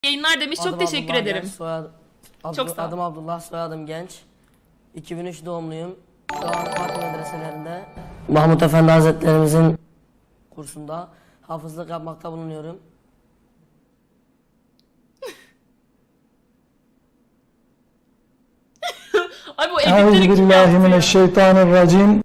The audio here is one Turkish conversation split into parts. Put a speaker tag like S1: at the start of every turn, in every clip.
S1: Yayınlar demiş. Çok teşekkür ederim.
S2: Çok sağ ol. Adım Abdullah, soyadım Genç. 2003 doğumluyum. Şu an Fatih medreselerinde Mahmut Efendi Hazretlerimizin kursunda hafızlık yapmakta bulunuyorum.
S1: Ay bu editleri kim yaptı ya?
S3: Euzubillahimineşşeytanirracim.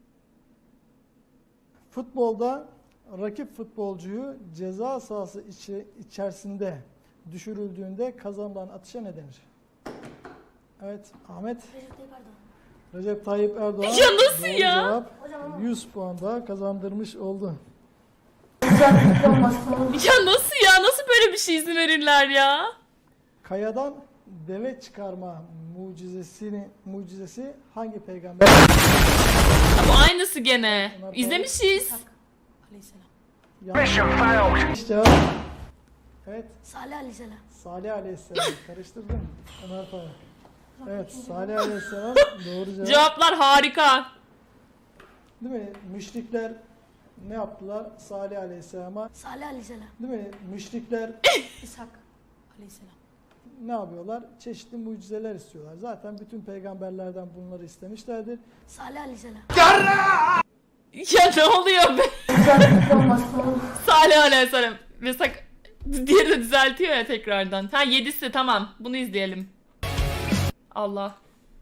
S3: Futbolda rakip futbolcuyu ceza sahası içerisinde düşürüldüğünde kazanılan atışa ne denir? Evet, Ahmet. Recep Tayyip Erdoğan.
S1: Ya nasıl
S3: doğru
S1: ya?
S3: Cevap, 100 puan daha kazandırmış oldu.
S1: Ya nasıl ya? Nasıl böyle bir şey izin verirler ya?
S3: Kayadan deve çıkarma mucizesi hangi peygamber?
S1: Bu aynısı gene. İzlemişiz.
S3: Yanlış cevap. Evet.
S4: Salih Aleyhisselam.
S3: Salih Aleyhisselam. Karıştırdım. Ömer Faruk. Evet, Salih Aleyhisselam doğru cevap.
S1: Cevaplar harika.
S3: Değil mi? Müşrikler ne yaptılar? Salih Aleyhisselam'a.
S4: Salih Aleyhisselam.
S3: Değil mi? Müşrikler
S4: İshak Aleyhisselam.
S3: ne yapıyorlar? Çeşitli mucizeler istiyorlar. Zaten bütün peygamberlerden bunları istemişlerdir.
S4: Salih Aleyhisselam.
S1: Ya ne oluyor be? Salih Aleyhisselam. Mesela diğeri de düzeltiyor ya tekrardan. Ha 7'si tamam. Bunu izleyelim. Allah.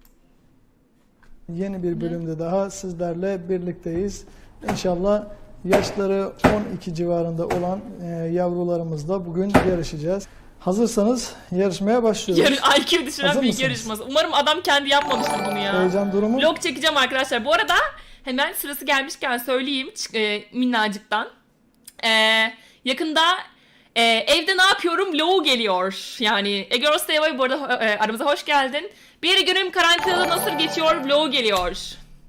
S3: Yeni bir bölümde daha sizlerle birlikteyiz. İnşallah yaşları 12 civarında olan yavrularımızla bugün yarışacağız. Hazırsanız yarışmaya başlıyoruz.
S1: IQ düşüren
S3: Hazır
S1: bilgi
S3: mısınız?
S1: yarışması. Umarım adam kendi yapmamıştır bunu ya.
S3: Heyecan durumu.
S1: Vlog çekeceğim arkadaşlar. Bu arada hemen sırası gelmişken söyleyeyim minnacıktan. Yakında evde ne yapıyorum vlogu geliyor. Yani Egor Stevay bu arada aramıza hoş geldin. Bir günüm karantinada nasıl geçiyor vlogu geliyor.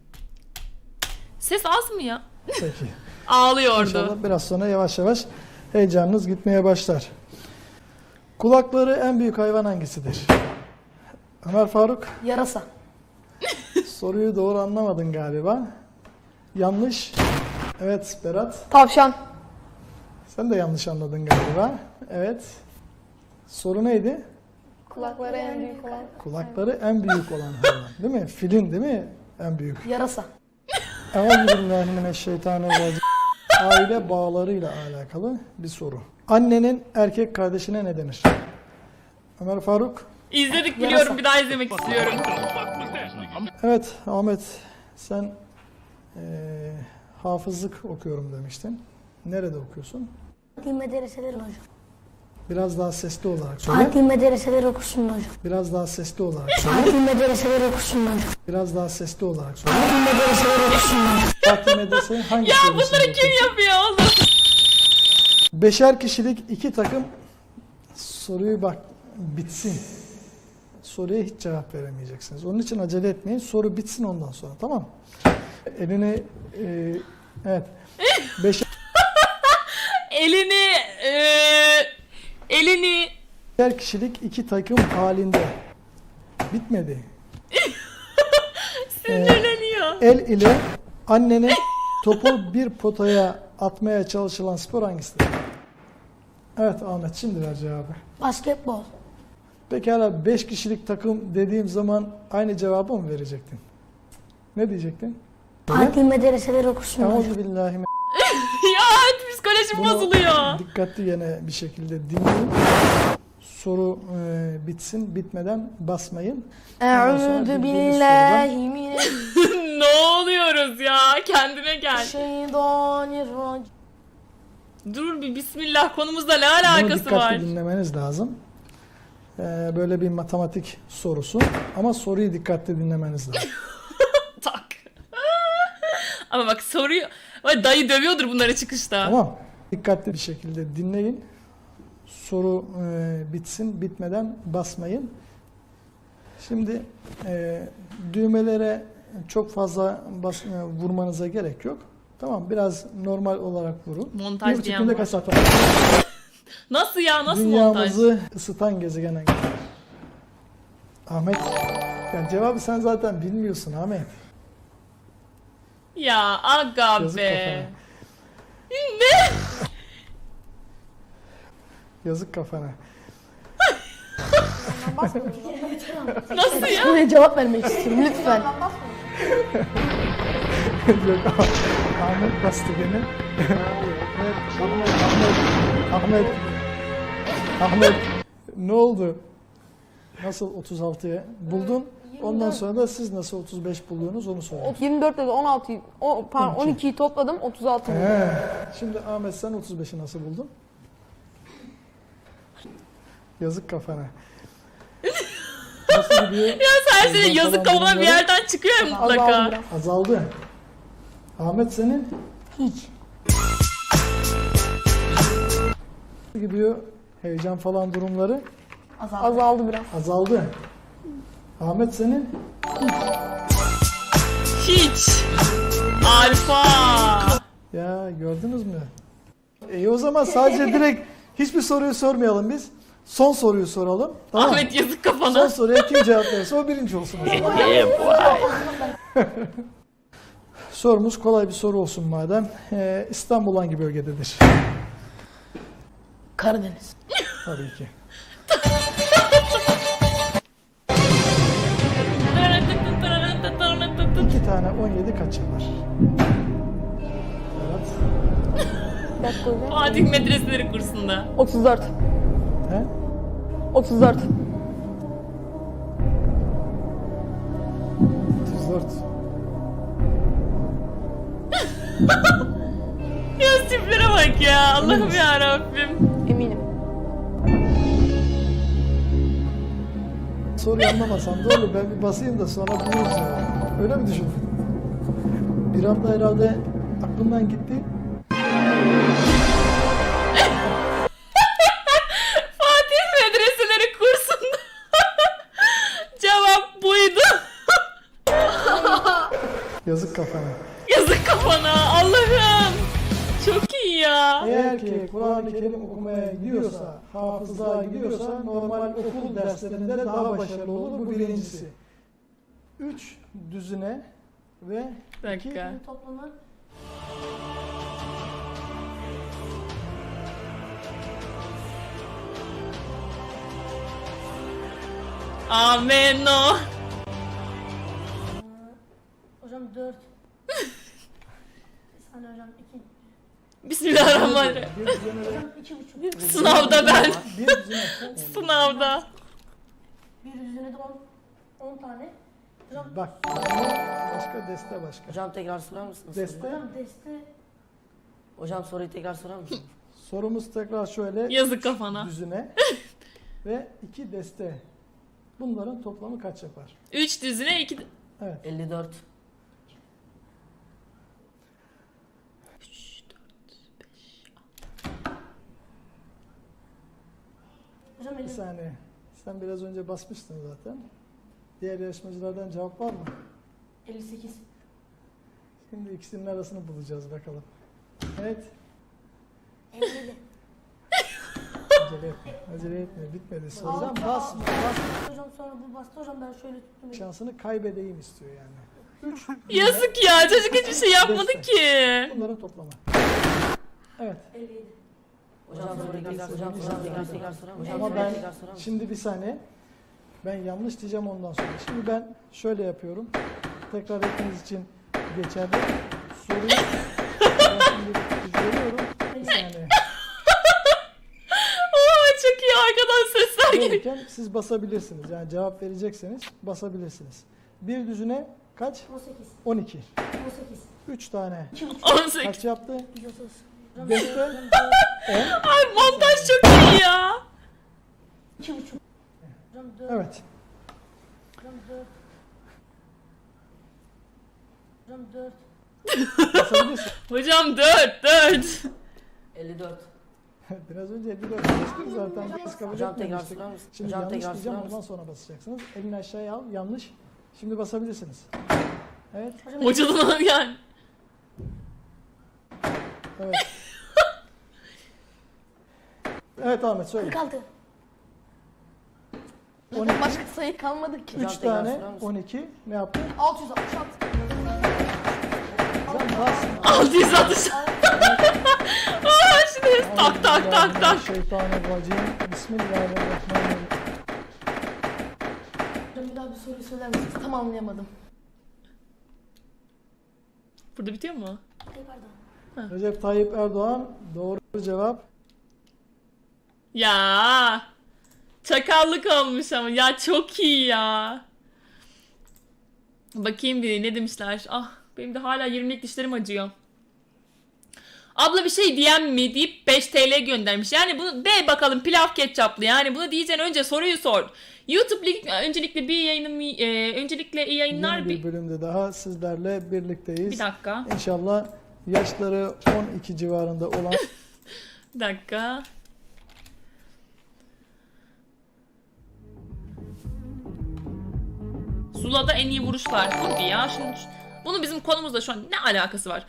S1: Ses az mı ya?
S3: Peki.
S1: Ağlıyordu.
S3: İnşallah biraz sonra yavaş yavaş heyecanınız gitmeye başlar. Kulakları en büyük hayvan hangisidir? Ömer Faruk,
S4: Yarasa.
S3: soruyu doğru anlamadın galiba. Yanlış. Evet Berat,
S4: Tavşan.
S3: sen de yanlış anladın galiba. Evet. Soru neydi?
S4: Kulakları en büyük olan.
S3: Kulakları en büyük olan hayvan. Değil mi? Filin değil mi? En büyük.
S4: Yarasa.
S3: Euzubillahimineşşeytanirracim. Aile bağlarıyla alakalı bir soru. Annenin erkek kardeşine ne denir? Ömer Faruk.
S1: İzledik biliyorum,
S4: Yarasa.
S1: bir daha izlemek istiyorum.
S3: Evet Ahmet, sen hafızlık okuyorum demiştin. Nerede okuyorsun?
S4: Fatih medreseleri hocam.
S3: Biraz daha sesli olarak söyle.
S4: Fatih medreseleri okusun hocam.
S3: Biraz daha sesli olarak söyle.
S4: Fatih medreseleri okusun hocam.
S3: Biraz daha sesli olarak söyle.
S4: Fatih medreseleri okusun hocam.
S3: Fatih Medrese hangi
S1: Ya
S3: seviyesinde
S1: bunları kim
S3: okuyorsun?
S1: yapıyor oğlum?
S3: Beşer kişilik iki takım, soruyu bak bitsin. Soruya hiç cevap veremeyeceksiniz. Onun için acele etmeyin. Soru bitsin ondan sonra, tamam mı? Elini evet.
S1: Elini
S3: Beşer kişilik iki takım halinde. Bitmedi.
S1: sinirleniyor.
S3: El ile annenin topu bir potaya atmaya çalışılan spor hangisidir? Evet Ahmet, şimdi ver cevabı.
S4: Basketbol.
S3: Pekala 5 kişilik takım dediğim zaman aynı cevabı mı verecektin? Ne diyecektin?
S4: Fatih medreseleri okusun hocam.
S3: Euzubillahimineşşeytanirracim.
S1: Ya psikolojim bozuluyor.
S3: Dikkatli yine bir şekilde dinleyin. Soru bitsin, bitmeden basmayın. Ondan sonra
S4: Eûzü
S3: bildiğiniz
S4: billahi mineşşeytanirracim.
S1: Ne oluyoruz ya? Kendine gel. Dur bir bismillah, konumuzla ne
S3: Bunu
S1: alakası
S3: dikkatli
S1: var?
S3: dinlemeniz lazım. Böyle bir matematik sorusu ama soruyu dikkatli dinlemeniz lazım.
S1: Tak. Ama bak soruyu... Ay, dayı dövüyordur bunları çıkışta.
S3: Tamam. Dikkatli bir şekilde dinleyin. Soru bitsin, bitmeden basmayın. Şimdi düğmelere çok fazla vurmanıza gerek yok. Tamam, biraz normal olarak vurun.
S1: Montaj
S3: 1,5
S1: diyen
S3: günde
S1: var.
S3: kaç saat var?
S1: Nasıl ya? Nasıl montaj?
S3: Dünyamızı ısıtan gezegen hangisi? Ahmet, yani cevabı sen zaten bilmiyorsun Ahmet.
S1: Ya aga
S3: Yazık
S1: be.
S3: kafana.
S1: Ne?
S3: Yazık kafana.
S1: Nasıl ya?
S4: Soruya cevap vermek istiyorum lütfen.
S3: Yok, Ahmet bastı gene. Evet, Ahmet. Ne oldu? Nasıl 36'ya buldun? Ondan sonra da siz nasıl 35 buldunuz onu söyleyin.
S5: 24 dedi 16'yı, pardon 12'yi topladım 36 buldum.
S3: He. Şimdi Ahmet sen 35'i nasıl buldun? Yazık kafana. Nasıl gidiyor?
S1: Ya sen şimdi yazık kafana bir yerden çıkıyor ya
S5: Azaldı
S1: mutlaka.
S5: biraz.
S3: Azaldı. Ahmet senin?
S4: Hiç.
S3: Nasıl gidiyor? Heyecan falan durumları
S5: Azaldı biraz.
S3: azaldı. Ahmet senin?
S1: Hiç. Alfa.
S3: Ya gördünüz mü? İyi o zaman sadece direkt hiçbir soruyu sormayalım biz. Son soruyu soralım. Tamam mı?
S1: Ahmet yazık
S3: Son
S1: kafana.
S3: soruya kim cevap verirse o birinci olsun. o zaman. Sorumuz kolay bir soru olsun madem. İstanbul hangi bölgededir?
S4: Karadeniz.
S3: Tabii ki. İki tane 17 kaç yapar? Evet.
S5: Bir dakika hocam.
S1: Fatih Medreseleri kursunda.
S5: 34.
S3: He?
S5: 34.
S3: 34.
S1: Ya tiplere bak ya. Allah'ım ya Rabbim.
S5: Eminim.
S3: Soruyu anlamasam da olur. Ben bir basayım da sonra buluruz ya. Öyle mi düşündün? Bir anda herhalde aklımdan gitti.
S1: Fatih Medreseleri kursunda. Cevap buydu.
S3: Yazık kafana.
S1: Yazık kafana. Allah'ım. Çok iyi ya.
S3: Eğer ki Kur'an-ı Kerim okumaya gidiyorsa, hafızlığa gidiyorsa normal okul derslerinde daha başarılı olur. Bu birincisi. 3 düzine ve
S1: Bir dakika.
S4: Toplamı
S1: Ameno.
S4: hocam 4. Bir saniye hocam 2.
S1: Bismillahirrahmanirrahim.
S3: bir düzine ve
S4: Hocam 2,5.
S1: Sınavda ben.
S3: bir düzine.
S1: Sınavda.
S4: Bir düzine de 10 tane. Hocam,
S3: Bak, başka deste başka.
S2: Hocam tekrar sorar mısınız?
S3: Deste.
S4: hocam deste
S2: Hocam soruyu tekrar sorar mısınız?
S3: Sorumuz tekrar şöyle.
S1: Yazık kafana.
S3: Düzine ve 2 deste. Bunların toplamı kaç yapar?
S1: 3 düzine 2...
S3: Evet.
S2: 54.
S4: hocam
S3: Bir
S4: 50.
S3: saniye. Sen biraz önce basmıştın zaten. Diğer yarışmacılardan cevap var mı?
S4: 58.
S3: Şimdi ikisinin arasını bulacağız bakalım. Evet.
S4: 57.
S3: Acele etme. Acele etme. Bitmedi soru. Hocam basma. Basma.
S4: Hocam sonra bu bastı hocam ben şöyle tuttum.
S3: Şansını kaybedeyim istiyor yani. 3.
S1: Yazık ya. Çocuk hiçbir şey yapmadı ki.
S3: Bunların toplamı. Evet.
S4: 57.
S2: Hocam soruyu tekrar sorar mısınız? Tekrar sorar mısınız?
S3: Ama ben
S2: Tekrar sorar mısınız?
S3: şimdi bir saniye. Ben yanlış diyeceğim ondan sonra. Şimdi ben şöyle yapıyorum. Tekrar hepiniz için geçerli. Soruyu ben şimdi veriyorum. Bir saniye.
S1: Oo, çok iyi arkadan sesler geliyor.
S3: Verirken siz basabilirsiniz. Yani cevap verecekseniz basabilirsiniz. Bir düzine kaç?
S4: 18.
S3: 12.
S4: 18.
S3: 3 tane.
S1: 18.
S3: Kaç yaptı?
S4: 130. Hocam
S3: Deste 10.
S1: Ay montaj çok iyi ya.
S4: 2,5. Hocam 4.
S3: Evet.
S4: Hocam 4. Hocam 4.
S3: Basabilirsin.
S1: Hocam 4.
S2: 54.
S3: Biraz önce 54 bastık zaten. Biz kabul
S2: Hocam tekrar
S3: etmemiştik.
S2: sorar mısınız?
S3: Şimdi
S2: Hocam
S3: yanlış
S2: tekrar
S3: diyeceğim
S2: sorar
S3: ondan
S2: mısınız?
S3: sonra basacaksınız. Elini aşağıya al. Yanlış. Şimdi basabilirsiniz. Evet.
S1: Hocadan yani.
S3: Evet. Evet Ahmet söyle.
S4: 46.
S3: 12.
S5: Başka sayı kalmadı ki.
S3: 3
S2: tekrar
S3: tane
S2: sorar mısın?
S3: 12 ne yaptı?
S4: 666.
S3: Hocam basma.
S1: 660. Aa, şimdi tak tak tak tak.
S3: Şeytanirracim. Bismillahirrahmanirrahim.
S4: Hocam bir daha bir soruyu söyler misiniz? Tam anlayamadım.
S1: Burada bitiyor mu?
S4: Tekrardan.
S3: Recep Tayyip Erdoğan doğru cevap.
S1: Ya çakallık olmuş ama ya çok iyi ya. Bakayım bir ne demişler. Ah benim de hala 20'lik dişlerim acıyor. Abla bir şey diyen mi deyip 5 TL göndermiş. Yani bunu de bakalım pilav ketçaplı. Yani bunu diyeceksin önce soruyu sor. YouTube öncelikle bir yayınım öncelikle iyi yayınlar.
S3: Yeni bir bölümde daha sizlerle birlikteyiz.
S1: Bir dakika.
S3: İnşallah yaşları 12 civarında olan
S1: Bir dakika. Zula'da en iyi vuruşlar. Hadi ya. Şimdi, bunu bizim konumuzla şu an ne alakası var?